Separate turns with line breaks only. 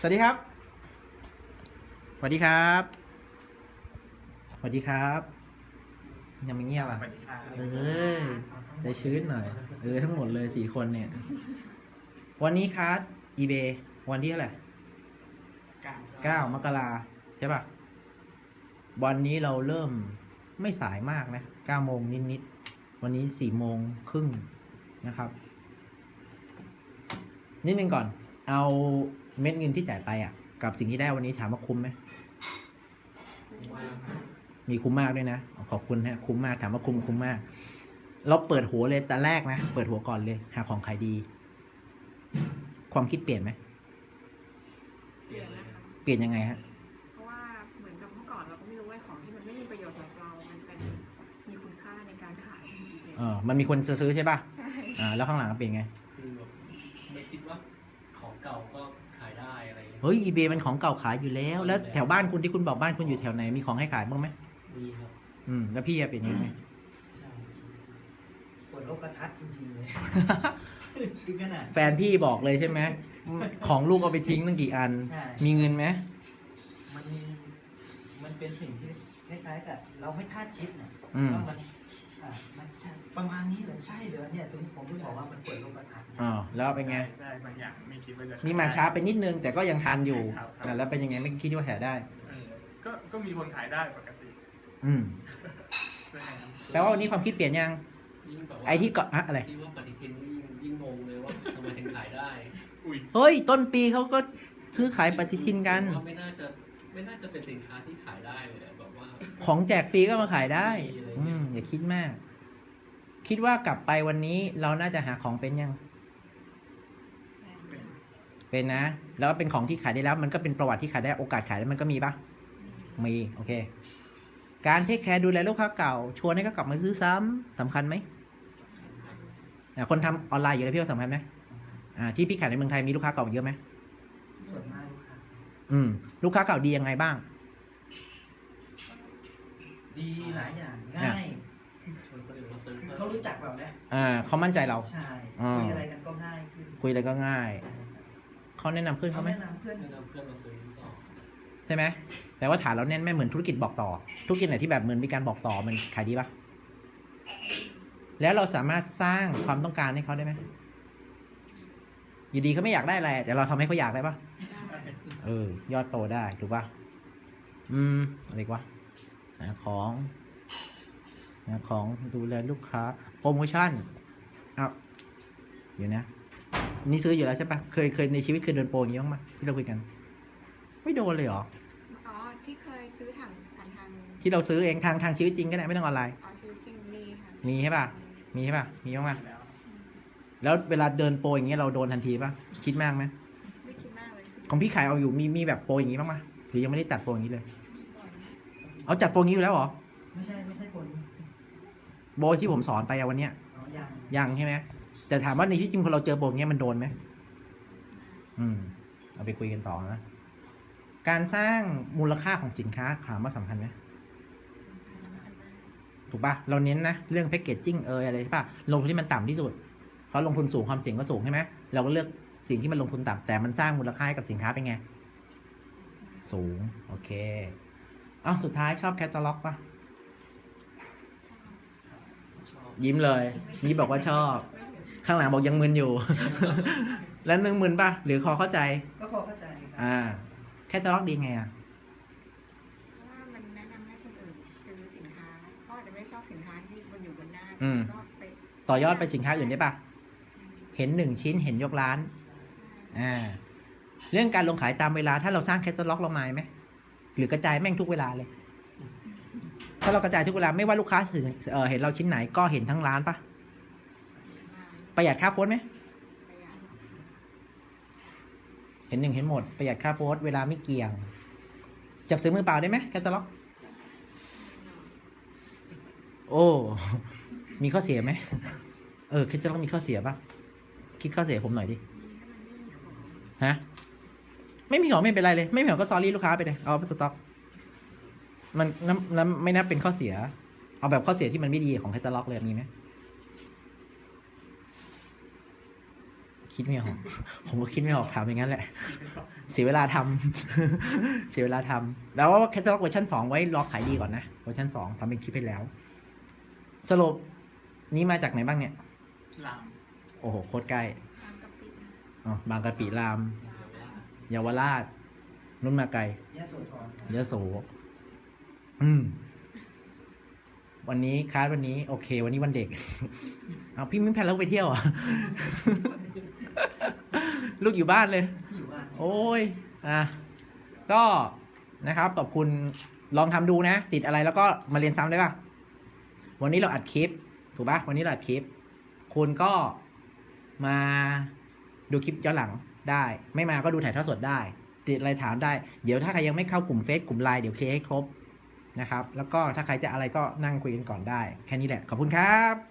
สวัสดีครับสวัสดีครับสวัสดีครับยังไม่เงียบอ่ะเออใจชื้นหน่อยทั้งหมดเลย4 คนเนี่ยวันนี้คัสeBay วันที่เท่าไหร่9 มกราใช่ป่ะวันนี้เราเริ่มไม่สายมากนะ9 โมงนิดๆวันนี้4 โมงครึ่งนะครับนิดนึงก่อนเอาเม็ดเงินที่จ่ายไปอ่ะกับสิ่งที่ได้วันนี้ถามว่าคุ้มไหมมีคุ้มมากด้วยนะขอบคุณฮะคุ้มมากถามว่าคุ้มมากเราเปิดหัวเลยแต่แรกนะเปิดหัวก่อนเลยหาของขายดีความคิดเปลี่ยนไหม
เปลี่ยนนะคะ
เปลี่ยนยังไงฮะ
เพราะว่าเหมือนกับเมื่อก่อนเราก็ไม่รู้ว่าของที่มันไม่มีประโยชน์สำหรับเรา มันเป็นมีคุณค่าในการขายในeBay
มันมีคนซื้อใช่ป่ะ
ใช่
แล้วข้างหลังเป็นไง
คือแบบไม่คิดว่าของเก่าก็ขายได้อะไร
เฮ้ย eBay มันของเก่าขายอยู่แล้วแถวบ้านคุณที่คุณบอกบ้านคุณอยู่แถวไหนมีของให้ขายบ้างไหม
มีครับ
แล้วพี่เป็นยังไง
ใช่เปิดโลกทัศน์จริงๆเลยคือขนาด
แฟนพี่บอกเลยใช่ไหมของลูกเอาไปทิ้งตั้งกี่อัน
ใช่
มีเงินไหม
มันมันเป็นสิ่งที่คล้ายๆกับเราไม่คาดคิดนะ ว่ามันใช่ประมาณนี้เหรอใช่เหรอเนี่ยถึงผมถึงบอกว่ามันเปิดโลกทัศน์
แล้วเป็นไง
ใช่บางอย่างไม่คิดว่าจะ
มีมาช้าไปนิดนึงแต่ก็ยังทันอยู่
ครับ
แล้วเป็นยังไงไม่คิดว่าแถได้
ก็มีคนขายได้ปกติ
อืม
ใช่ไหมครับ
แปลว่าวันนี้ความคิดเปลี่ยนยัง
ยิ่งแบบว่า
ไอ้ที่เกาะอะไร
ที่ว่าปฏิทินนี่ยิ่งงงเลยว่าทำไมถึงขายได้
อุ้ย
เฮ้ยต้นปีเขาก็ซื้อขายปฏิทินกัน
ว่าไม่น่าจะเป็นสินค้าที่ขายได้เลยแบบว่า
ของแจกฟรีก็มาขายได้อย่าคิดมาก คิดว่ากลับไปวันนี้เราน่าจะหาของเป็นยัง เป็นนะ แล้วเป็นของที่ขายได้แล้ว มันก็เป็นประวัติที่ขายได้โอกาสขายแล้วมันก็มีปะมีโอเค การเทคแคร์ดูแลลูกค้าเก่าชวนให้เขากลับมาซื้อซ้ำสำคัญไหมคนทำออนไลน์อยู่แล้วพี่ว่าสำคัญไหมที่พี่ขายในเมืองไทยมีลูกค้าเก่าเยอะไหม
ส่วนมากลูกค้า
ลูกค้าเก่าดียังไงบ้าง
ดีหลายอย่างง่าย
ชวนคนอื่นมาซื้อ
คือเขารู้จักเราเนี่ย
เขามั่นใจเรา
ใช่คุยอะไรกันก็ง่ายขึ้น
คุยอะไรก็ง่าย
ใช่ครับ
เขาแนะนำเพื่อนเขาไหม
แนะนำเพื่อน
แนะนำเพื่อนมาซื้อต่อ
ใช่ไหมแปลว่าฐานเราแน่นไม่เหมือนธุรกิจบอกต่อธุรกิจไหนที่แบบเหมือนมีการบอกต่อมันขายดีปะแล้วเราสามารถสร้างความต้องการให้เขาได้ไหมอยู่ดีเขาไม่อยากได้อะไรแต่เราทำให้เขาอยากได้ปะยอดโตได้ถูกปะอะไรวะหาของดูแลลูกค้าโปรโมชั่นอยู่นะนี่ซื้ออยู่แล้วใช่ปะเคยในชีวิตเคยโดนโปรอย่างนี้บ้างปะที่เราคุยกันไม่โดนเลยเหรอ
อ๋อที่เคยซื้อผ่านทาง
ที่เราซื้อเองทางชีวิตจริงก็ได้ไม่ต้องออนไลน์
อ๋อชีวิตจริงมีค่ะ
มีใช่ป่ะมีบ้างปะแล้วเวลาเดินโปรอย่างเงี้ยเราโดนทันทีป่ะคิดมากไหม
ไม่คิดมากเลย
ของพี่ขายเอาอยู่มีแบบโปรอย่างงี้บ้างปะหรือยังไม่ได้จัดโปรอย่างนี้เลยเอาจัดโปรอย่างนี้อยู่แล้วเหรอ
ไม่ใช่คน
โปรที่ผมสอนไปวันเนี้ย
ยัง
ยังใช่ไหมแต่ถามว่าในที่จริงพอเราเจอโปรอย่างเงี้ยมันโดนไหมเอาไปคุยกันต่อนะการสร้างมูลค่าของสินค้าถามว่าสำคัญไหมถูกป่ะเราเน้นนะเรื่องแพคเกจจิ้งอะไรใช่ป่ะลงทุนที่มันต่ำที่สุดเพราะลงทุนสูงความเสี่ยงก็สูงใช่ไหมเราก็เลือกสิ่งที่มันลงทุนต่ำแต่มันสร้างมูลค่าให้กับสินค้าเป็นไงสูงโอเคสุดท้ายชอบแคตตาล็อกป่ะยิ้มเลยนี่บอกว่าชอบข้างหลังบอกยังมึนอยู่ แล้วนึงมึนป่ะหรือคอเข้าใจ
ก็พอเข้าใจครับ
แคตตาล็อกดีไง
เพราะว่ามันแนะนำให้คนอื่นซื้อสินค้าเขาอาจจะไม่ชอบสินค้าที่มันอยู่บนหน้าก็ไป
ต่อยอดไปสินค้าอื่นได้ป่ะเห็น1 ชิ้นเห็นยกร้านเรื่องการลงขายตามเวลาถ้าเราสร้างแคตตาล็อกเราหมายไหมหรือกระจายแม่งทุกเวลาเลยถ้าเรากระจายทุกเวลาไม่ว่าลูกค้าเห็นเราชิ้นไหนก็เห็นทั้งร้านป่ะประหยัดค่าโพสไหมเห็น1เห็นหมดประหยัดค่าโพสเวลาไม่เกี่ยงจับซื้อมือเปล่าได้ไหมแคตตาล็อกโอ้มีข้อเสียไหมแคตตาล็อกมีข้อเสียป่ะคิดข้อเสียผมหน่อยดิฮะไม่มีของไม่เป็นไรเลยไม่มีของก็ซอรี่ลูกค้าไปเลยเอาไปสต็อกมันไม่นับเป็นข้อเสียเอาแบบข้อเสียที่มันไม่ดีของแคตตาล็อกเลยมีไหมคิดไม่ออก ผมก็คิดไม่ออกถามอย่างนั้นแหละ เสียเวลาทำ เสียเวลาทำแล้วแคตตาล็อกเวอร์ชัน2ไว้รอขายดีก่อนนะเวอร์ชัน2ทำเป็นคลิปให้แล้ว สรุปนี้มาจากไหนบ้างเนี่ย
ลาม
โอ้โหโคตรใกล้
ตามกะปิ
อ๋อบางกะปิรามเยาวราชนุ่นมาไกล
ยะโสธร
ยโสวันนี้คลาสวันนี้โอเค วันนี้วันเด็ก เอาพี่ไม่แพลนแล้วไปเที่ยวอ่ะ ลูกอยู่บ้านเลย
อยู่บ้าน
โอ้ย ก็นะครับขอบคุณลองทำดูนะ ติดอะไรแล้วก็มาเรียนซ้ำได้ป่ะ วันนี้เราอัดคลิป ถูกป่ะ วันนี้เราอัดคลิป คุณก็มาดูคลิปย้อนหลังได้ ไม่มาก็ดูถ่ายทอดสดได้ ติดอะไรถามได้ เดี๋ยวถ้าใครยังไม่เข้ากลุ่มเฟซกลุ่มไลน์เดี๋ยวเคลียร์ให้ครบนะครับ แล้วก็ถ้าใครจะอะไรก็นั่งคุยกันก่อนได้ แค่นี้แหละ ขอบคุณครับ